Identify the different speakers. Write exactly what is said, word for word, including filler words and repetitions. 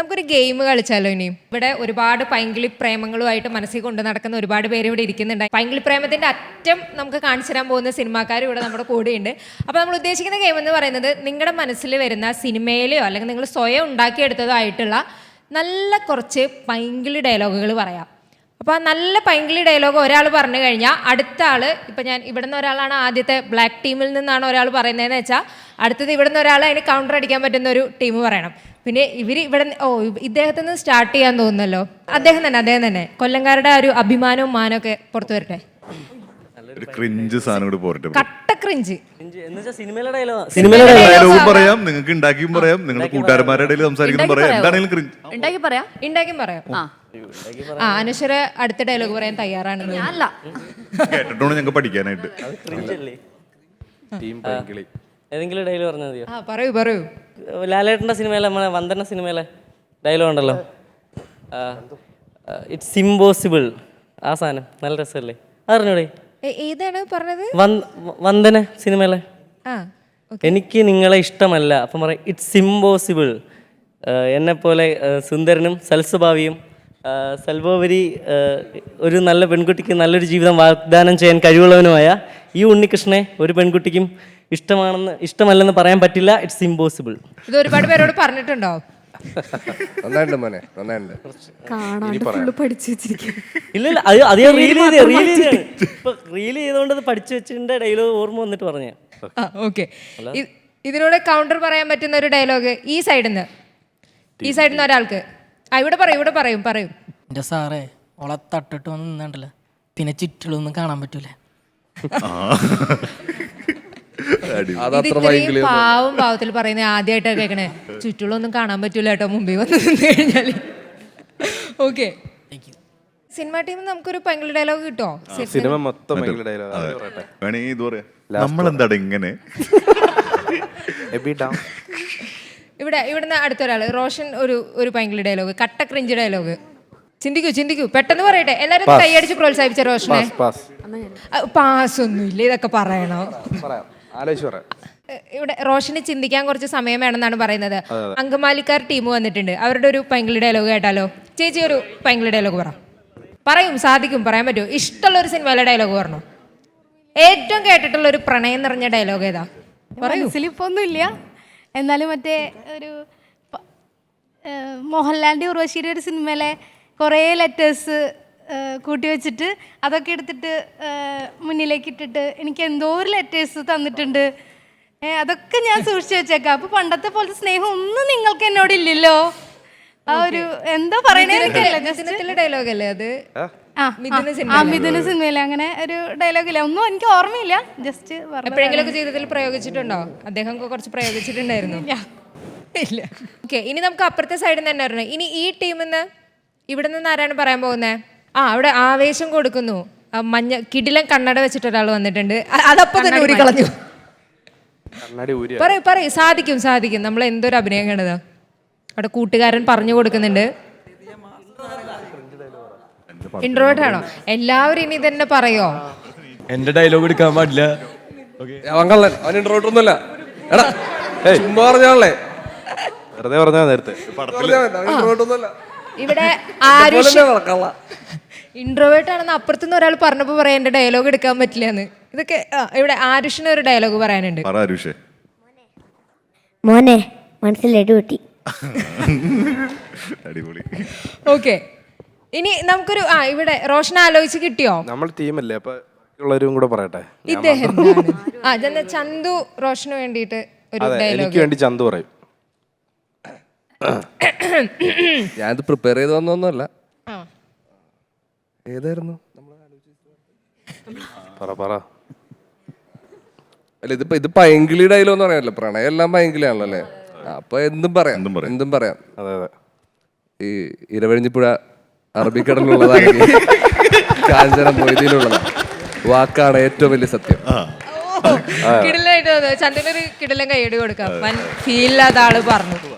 Speaker 1: നമുക്കൊരു ഗെയിം കളിച്ചാലോ ഇനി. ഇവിടെ ഒരുപാട് പൈങ്കിളി പ്രേമങ്ങളുമായിട്ട് മനസ്സിൽ കൊണ്ട് നടക്കുന്ന ഒരുപാട് പേര് ഇവിടെ ഇരിക്കുന്നുണ്ട്. പൈങ്കിളി പ്രേമത്തിന്റെ അറ്റം നമുക്ക് കാണിച്ചു തരാൻ പോകുന്ന സിനിമാക്കാരും ഇവിടെ നമ്മുടെ കൂടെയുണ്ട്. അപ്പോൾ നമ്മൾ ഉദ്ദേശിക്കുന്ന ഗെയിം എന്ന് പറയുന്നത് നിങ്ങളുടെ മനസ്സിൽ വരുന്ന സിനിമയിലെയോ അല്ലെങ്കിൽ നിങ്ങൾ സ്വയം ഉണ്ടാക്കിയെടുത്തതോ ആയിട്ടുള്ള നല്ല കുറച്ച് പൈങ്കിളി ഡയലോഗുകൾ പറയാം. അപ്പോൾ ആ നല്ല പൈങ്കിളി ഡയലോഗ് ഒരാൾ പറഞ്ഞു കഴിഞ്ഞാൽ അടുത്ത ആൾ, ഇപ്പം ഞാൻ ഇവിടെ നിന്ന് ഒരാളാണ് ആദ്യത്തെ ബ്ലാക്ക് ടീമിൽ നിന്നാണ് ഒരാൾ പറയുന്നതെന്ന് വെച്ചാൽ അടുത്തത് ഇവിടെ നിന്ന് ഒരാൾ അതിന് കൗണ്ടർ അടിക്കാൻ പറ്റുന്ന ഒരു ടീം പറയണം. പിന്നെ ഇവർ ഇവിടെ ഓ ഇദ്ദേഹത്തിൽ നിന്ന് സ്റ്റാർട്ട് ചെയ്യാൻ തോന്നുന്നല്ലോ. അദ്ദേഹം തന്നെ അദ്ദേഹം തന്നെ കൊല്ലംകാരുടെ ഒരു അഭിമാനവും മാനവും പുറത്തു വരട്ടെ. കട്ട ക്രിഞ്ച്
Speaker 2: സിനിമയിലെ ഡയലോഗ്
Speaker 3: പറയാം, നിങ്ങൾക്ക് ഉണ്ടാക്കിയും പറയാം, നിങ്ങളുടെ കൂട്ടുകാരന്മാരുടെ ഇടയിൽ സംസാരിക്കുന്ന പറയാം, എന്താണെങ്കിലും ക്രിഞ്ച്
Speaker 1: പറയാം ഉണ്ടാക്കിയും പറയാം. ആ അനശ്വര അടുത്ത ഡയലോഗ് പറയാൻ തയ്യാറാണ്.
Speaker 3: കേട്ടിട്ടാണ് ഞങ്ങൾക്ക് പഠിക്കാനായിട്ട്.
Speaker 2: ഏതെങ്കിലും ഡയലോഗ് പറഞ്ഞാൽ മതിയോ?
Speaker 1: ആ പറയൂ പറയൂ.
Speaker 2: ലാലേട്ടൻ്റെ സിനിമയിലെ നമ്മളെ വന്ദന സിനിമയിലെ ഡയലോഗ് ഉണ്ടല്ലോ, ഇറ്റ്സ് ഇമ്പോസിബിൾ. ആ സാധനം നല്ല രസമല്ലേ, അറിഞ്ഞൂടെ?
Speaker 1: ഏതാണ് പറഞ്ഞത്?
Speaker 2: വന്ദന സിനിമയിലെ എനിക്ക് നിങ്ങളെ ഇഷ്ടമല്ല, അപ്പം പറയാം ഇറ്റ്സ് ഇമ്പോസിബിൾ. എന്നെപ്പോലെ സുന്ദരനും സൽസ്വഭാവിയും സൽവോപരി ഒരു നല്ല പെൺകുട്ടിക്ക് നല്ലൊരു ജീവിതം വാഗ്ദാനം ചെയ്യാൻ കഴിവുള്ളവനുമായ ഈ ഉണ്ണികൃഷ്ണനെ ഒരു പെൺകുട്ടിക്കും ഇഷ്ടമാണെന്ന് ഇഷ്ടമല്ലെന്ന് പറയാൻ പറ്റില്ല. It's impossible.
Speaker 1: ഇത് ഒരുപാട് പേരോട് പറഞ്ഞിട്ടുണ്ടോ?
Speaker 2: ഇല്ല ഇല്ല, അത് അത് ഞാൻ റീൽ ചെയ്ത് റീൽ ചെയ്താണ് ഇപ്പൊ റീൽ ചെയ്തുകൊണ്ട് അത് പഠിച്ചു വെച്ചിട്ട് ഡയലോഗ് ഓർമ്മ വന്നിട്ട് പറഞ്ഞേ.
Speaker 1: ഓക്കെ, ഇതിലൂടെ കൗണ്ടർ പറയാൻ പറ്റുന്ന ഒരു ഡയലോഗ് ഈ സൈഡിൽ നിന്ന് ഈ സൈഡിൽ നിന്ന് ഒരാൾക്ക്. ആ ഇവിടെ പറയും ഇവിടെ പറയും പറയും
Speaker 4: എന്റെ സാറേ ഓളെ തട്ടിട്ട് വന്ന് നിന്നണ്ടല്ലോ, പിന്നെ ചുറ്റിലൊന്നും കാണാൻ പറ്റൂല.
Speaker 1: പാവം പാവത്തിൽ പറയുന്നത് ആദ്യമായിട്ടാണ് കേൾക്കണേ. ചുറ്റുള്ളൊന്നും കാണാൻ പറ്റൂല കേട്ടോ മുമ്പിൽ വന്ന് നിന്ന് കഴിഞ്ഞാല്. ഓക്കെ, സിനിമ ടീം നമുക്കൊരു പൈങ്കിളി ഡയലോഗ് കിട്ടോ?
Speaker 5: സിനിമ മൊത്തം ഡയലോഗ്
Speaker 3: നമ്മളെന്താ ഇങ്ങനെ.
Speaker 1: ഇവിടെ ഇവിടുന്ന് അടുത്തൊരാള് റോഷൻ ഒരു ഒരു പൈങ്കിളി ഡയലോഗ്, കട്ട ക്രിഞ്ച് ഡയലോഗ്. ചിന്തിക്കൂ ചിന്തിക്കൂ പെട്ടെന്ന് പറയട്ടെ. എല്ലാരും കൈയടിച്ച് പ്രോത്സാഹിപ്പിച്ച റോഷനെ. പാസ് ഒന്നുമില്ല, ഇതൊക്കെ പറയണോ? ഇവിടെ റോഷന് ചിന്തിക്കാൻ കുറച്ച് സമയം വേണമെന്നാണ് പറയുന്നത്. അങ്കമാലിക്കാർ ടീം വന്നിട്ടുണ്ട്, അവരുടെ ഒരു പൈങ്കിളി ഡയലോഗ് കേട്ടാലോ? ചേച്ചി ഒരു പൈങ്കിളി ഡയലോഗ് പറ. പറയും, സാധിക്കും, പറയാൻ പറ്റുമോ? ഇഷ്ടമുള്ള ഒരു സിനിമയിലെ ഡയലോഗ് പറഞ്ഞു. ഏറ്റവും കേട്ടിട്ടുള്ള ഒരു പ്രണയം നിറഞ്ഞ ഡയലോഗ് ഏതാ?
Speaker 6: മനസ്സിലിപ്പൊന്നുമില്ല, എന്നാലും മറ്റേ ഒരു മോഹൻലാലിൻ്റെ ഉർവശിയുടെ ഒരു സിനിമയിലെ കുറേ ലെറ്റേഴ്സ് കൂട്ടി വെച്ചിട്ട് അതൊക്കെ എടുത്തിട്ട് മുന്നിലേക്ക് ഇട്ടിട്ട് എനിക്ക് എന്തോ ഒരു ലെറ്റേഴ്സ് തന്നിട്ടുണ്ട്, അതൊക്കെ ഞാൻ സൂക്ഷിച്ചു വെച്ചേക്കാം. അപ്പൊ പണ്ടത്തെ പോലത്തെ സ്നേഹം ഒന്നും നിങ്ങൾക്ക് എന്നോട് ഇല്ലല്ലോ. ആ ഒരു എന്താ പറയണേ
Speaker 1: ഡയലോഗ് അല്ലേ അത്?
Speaker 6: ആ മിഥുന സിനിമയിലെ അങ്ങനെ ഒരു ഡയലോഗ് ഇല്ല, ഒന്നും എനിക്ക് ഓർമ്മയില്ല. ജസ്റ്റ്
Speaker 1: എപ്പോഴെങ്കിലും ജീവിതത്തിൽ പ്രയോഗിച്ചിട്ടുണ്ടോ? അദ്ദേഹം കുറച്ച് പ്രയോഗിച്ചിട്ടുണ്ടായിരുന്നു. ഇല്ല. ഓക്കെ, ഇനി നമുക്ക് അപ്പുറത്തെ സൈഡിൽ നിന്ന് തന്നെ വരണം. ഇനി ഈ ടീമിൽ നിന്ന് ഇവിടെ നിന്ന് ആരാണ് പറയാൻ പോകുന്നത്? ആ അവിടെ ആവേശം കൊടുക്കുന്നു. മഞ്ഞ കിടിലൻ കണ്ണട വെച്ചിട്ട് ഒരാൾ വന്നിട്ടുണ്ട്. അതപ്പോ തന്നെ ഊരി കളഞ്ഞു. പറയൂ പറയൂ, സാധിക്കും സാധിക്കും. നമ്മൾ എന്തൊരു അഭിനയം കണ്ടതാ. അവിടെ കൂട്ടുകാരൻ പറഞ്ഞു കൊടുക്കുന്നുണ്ട്. ഇൻട്രോവേർട്ട് ആണോ? എല്ലാവരും ഇനി തന്നെ പറയോ?
Speaker 5: എന്റെ ഡയലോഗ് എടുക്കാൻ പാടില്ല. വെറുതെ പറഞ്ഞാ നേരത്തെ.
Speaker 1: ഇവിടെ ഇൻട്രോവേർട്ട് ആണെന്ന് അപ്പുറത്തുനിന്ന് ഒരാൾ പറഞ്ഞപ്പോ പറയാൻ എന്റെ ഡയലോഗ് എടുക്കാൻ പറ്റില്ല എന്ന്. ഇതൊക്കെ ഇവിടെ ആരുഷിന് ഒരു ഡയലോഗ് പറയാനുണ്ട്.
Speaker 7: മോനെ മനസ്സിലടി പൊട്ടി.
Speaker 1: ഓക്കെ, ഇനി നമുക്കൊരു ആ ഇവിടെ റോഷൻ ആലോചിച്ച് കിട്ടിയോ?
Speaker 5: നമ്മൾ ടീമല്ലേ, അപ്പൊ ഉള്ളവരും കൂടെ പറയട്ടെ.
Speaker 1: ഇദ്ദേഹം ആ ചന്തു റോഷന് വേണ്ടിയിട്ട് ഒരു ഡയലോഗ്.
Speaker 5: എനിക്ക് വേണ്ടി ചന്തു പറയും.
Speaker 8: ഞാനിത് പ്രിപ്പയർ ചെയ്ത് വന്നൊന്നുമല്ല. ഏതായിരുന്നു അല്ല ഇതിപ്പോ ഇത് പൈങ്കിളി ഡയലോഗ് എന്ന് പറയാനല്ലോ, പ്രണയം എല്ലാം പൈങ്കിളിയാണല്ലോ അല്ലേ? അപ്പൊ എന്തും പറയാം എന്തും പറയാം.
Speaker 5: അതെ അതെ,
Speaker 8: ഈ ഇരവഴിഞ്ഞിപ്പുഴ അറബിക്കടലിലുള്ളതാണ്, കാഞ്ചന മൊയ്തിയിലുള്ളതാണ്. വാക്കാണ് ഏറ്റവും വലിയ സത്യം.
Speaker 1: കിടിലായിട്ട് ചന്ദ്രനൊരു കിടിലൻ കൈയടി കൊടുക്കാം. ഫീൽ ഇല്ലാത്ത ആള് പറഞ്ഞു.